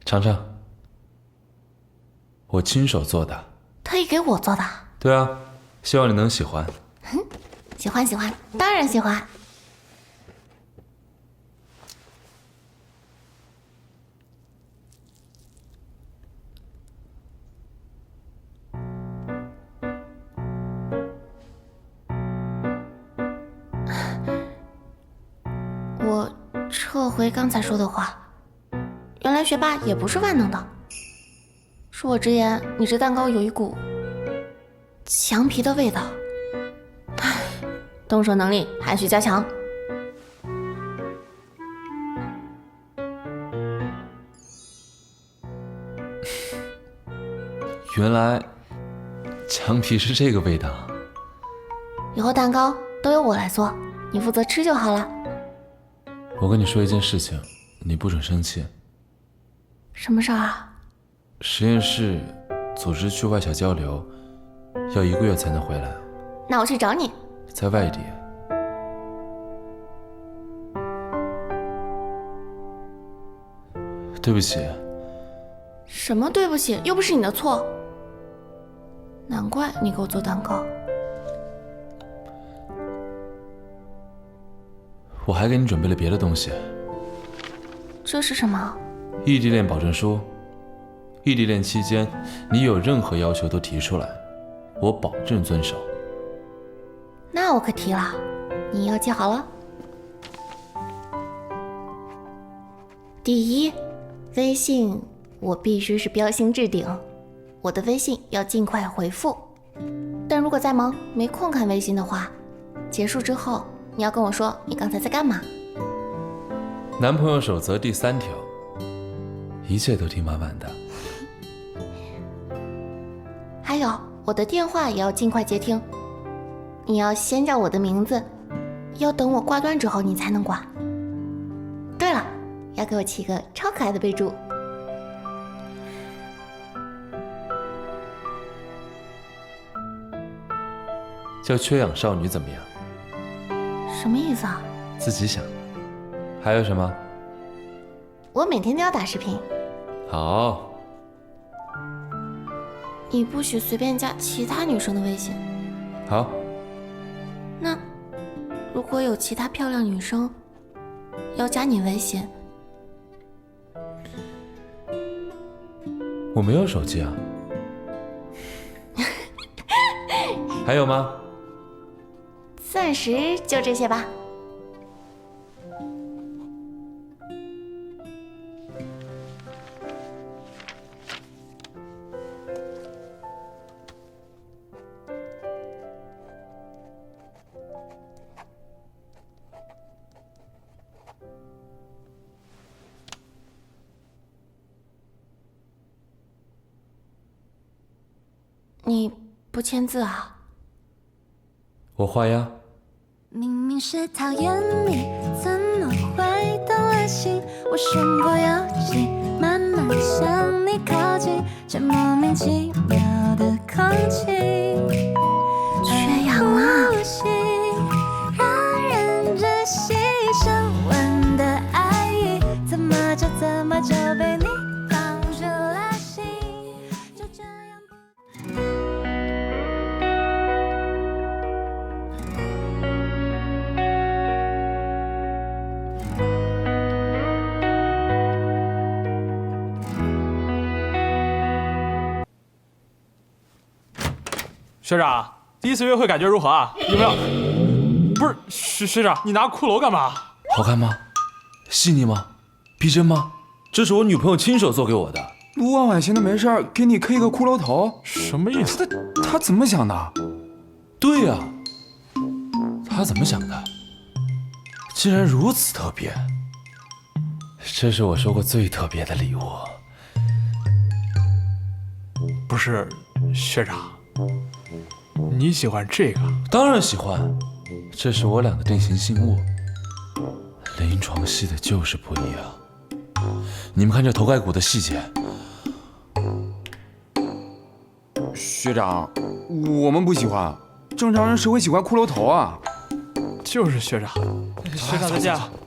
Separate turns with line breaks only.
尝尝，我亲手做的。
特意给我做的？
对啊，希望你能喜欢。
喜欢喜欢，当然喜欢。我撤回刚才说的话，原来学霸也不是万能的。恕我直言，你这蛋糕有一股墙皮的味道。唉，动手能力还需加强。
原来墙皮是这个味道。
以后蛋糕都由我来做，你负责吃就好了。
我跟你说一件事情，你不准生气。
什么事儿啊？
实验室组织去外校交流，要1个月才能回来。
那我去找你。
在外地。对不起。
什么对不起？又不是你的错。难怪你给我做蛋糕。
我还给你准备了别的东西。
这是什么？
异地恋保证书。异地恋期间，你有任何要求都提出来，我保证遵守。
那我可提了，你要记好了。第一，微信我必须是标星置顶，我的微信要尽快回复。但如果在忙没空看微信的话，结束之后你要跟我说你刚才在干嘛。
男朋友守则第3条，一切都听满满的。
还有，我的电话也要尽快接听，你要先叫我的名字，要等我挂断之后你才能挂。对了，要给我起个超可爱的备注。
叫缺氧少女怎么样？
什么意思啊？
自己想。还有什么？
我每天都要打视频。
好。
你不许随便加其他女生的微信。
好。
那如果有其他漂亮女生要加你微信，
我没有手机啊。还有吗？
暂时就这些吧。你不签字啊？
我画押。
明明是讨厌你，怎么会动了心？我身不由己，慢慢向你靠近，这莫名其妙的空气，
缺氧了。
让人窒息，深吻的爱意，怎么就被你放入了心，就这样
学长，第一次约会感觉如何啊？有没有？不是学长，你拿骷髅干嘛？
好看吗？细腻吗？逼真吗？这是我女朋友亲手做给我的。
卢婉婉闲的没事儿给你 K 个骷髅头，
什么意思？
他怎么想的？
对呀，他怎么想的？竟然如此特别。这是我收过最特别的礼物。
不是，学长，你喜欢这个？
当然喜欢，这是我俩的定情信物。临床戏的就是不一样。你们看这头盖骨的细节。
学长，我们不喜欢，正常人谁会喜欢骷髅头啊？
就是学长，学长再见。